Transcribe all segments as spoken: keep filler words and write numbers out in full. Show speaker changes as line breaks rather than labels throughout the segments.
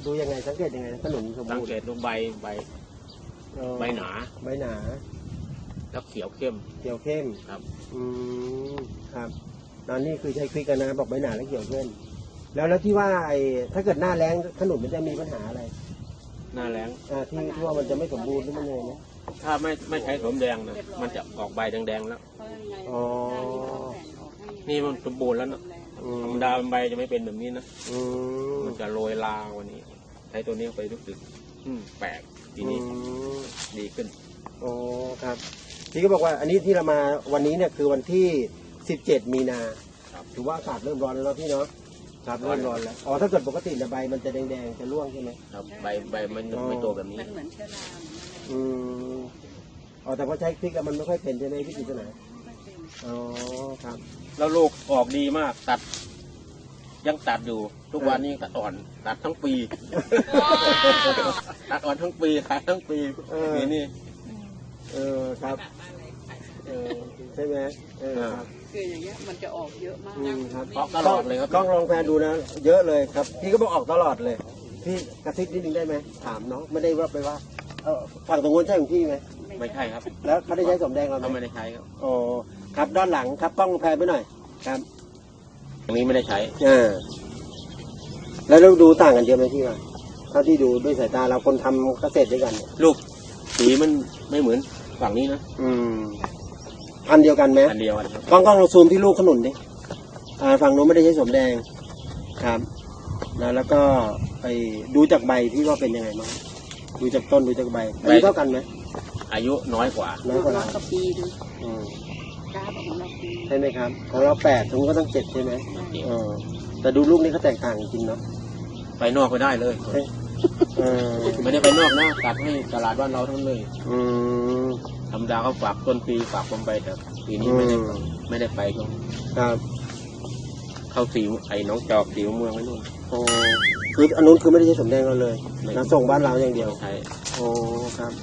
ดูยังไงสังเกตยังไงขนุนสม
สัง
บูร
เก
ณ์
ตดูใบใบ
เอ่อ
ใบหนา
ใบหนา
แล้วเขียวเข้ม
เขียวเข้ม
ครับ
อืมครับตอนนี้คือใช้คลิกกันนะบอกใบหนาและเขียวเข้มแล้วแล้วที่ว่าไอ้ถ้าเกิดหน้าแล้งขนุนมันจะมีปัญหาอะไร
หน้าแรง
อ่าที่ที่ว่ามันจะไม่สมบูรณ์หรือมันยังไงนะ
ถ้าไม่ไม่ใช้สมแดงนะมันจะออกใบแดงๆแล้ว
อ๋อ
นี่มันสมบูรณ์แล้วนะ
อืม
ธรรมดาใบจะไม่เป็นแบบนี้นะ
อืม
มันจะโรยลาวันนี้ ใช้ตัวนี้ไปรู้สึกอืมแปลกทีนี้
อืม
ดีขึ้น
โอ้ครับพี่ก็บอกว่าอันนี้ที่เรามาวันนี้เนี่ยคือวันที่สิบเจ็ดมีนา
ครับ
ถือว่าอากาศเริ่มร้อนแล้วเนาะพี่เนาะครับเริ่มร้อนแล้วอ๋อถ้าเกิดปกติเนี่ยใบมันจะแดงๆจะร่วงใช่ไหม
ครับใบใบมันไม่โตแบบนี้
มันเหมือนเชื้อรา
อืมอ๋อแต่พอใช้พริกแล้วมันไม่ค่อยเป็นใช่ไหมพี่กิตนาอ๋อครับ
แล้วลูกออกดีมากตัด ยังตัดอยู่ ทุกวันนี้ตัดอ่อน ตัดทั้งปี ตัดอ่อนทั้งปีขายทั้งปี
เออ
นี่นี่
เออครับเออใช่ไหมเออครับ
คืออย่างเงี้ยมันจะออกเยอะมาก
อืมครับ
ออกตลอดเลยครับ
กล้องลองแพนดูนะ เยอะเลยครับ พี่ก็บอกออกตลอดเลย พี่กระซิบนิดนึงได้ไหมถามน้องไม่ได้ว่าไปว่าเออฝั่งตรงนู้นใช่ของพี่ไหม
ไม่ใช่ครับ
แล้วเขาได้ใช้สมแดงเราไหม
เขาไม่ได้ใช้ครับ
โอ้ครับด้านหลังครับกล้องแพนไปหน่อยครับ
ตรงนี้ไม่ได้ใช้
อ่าแล้วเราดูต่างกันเยอะไหมพี่ว่าเท่าที่ดูด้วยสายตาเราคนทำเกษตรด้วยกันเนี่ย
ลูกสีมันไม่เหมือนฝั่งนี้นะ
อืมพันธุ์เดียวกันไหม
อันเดียวกันครับ
กล้องกล้องเราซูมที่ลูกขนุนดิอ่าฝั่งนู้นไม่ได้ใช้สมแดงครับนะแล้วก็ไปดูจากใบที่ว่าเป็นยังไงบ้างดูจากต้นดูจากใบอายุเท่ากันไหม
อายุน้อยกว่า
น้อยกว่า
ร้
เรา
อยกว่าปีดู
อืม
กล้าบอกของเราปี
ใช่ไหมครับของเราแปดตรงนู้นก็ต้องเจ็ดใช่ไหมเออแต่ดูลูกนี้เขาแตกต่างจริงๆเนาะ
ไปนอกไปได้เลย
เออ
ไม่ได้ไปนอกนะตัดให้ตลาดบ้านเราทั้งนั้นเลย
อืม
ธรรมดาเขาฝากต้นปีฝากผมไปแต่ปีนี้ไม่ได้
อืม
ไม่ได้ไปก็
ครับ
เข้าสีไอ้น้องจอกสีเมืองไว้นู่น
โอ้คืออันนู้นคือไม่ได้ใช้สมแดงเราเลย
ไม่
นะส่งบ้านเราอย่างเดียว
ใช้
โอ้ครับ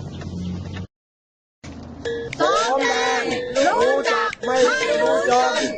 สมแดงรู้จักไม่รู้จน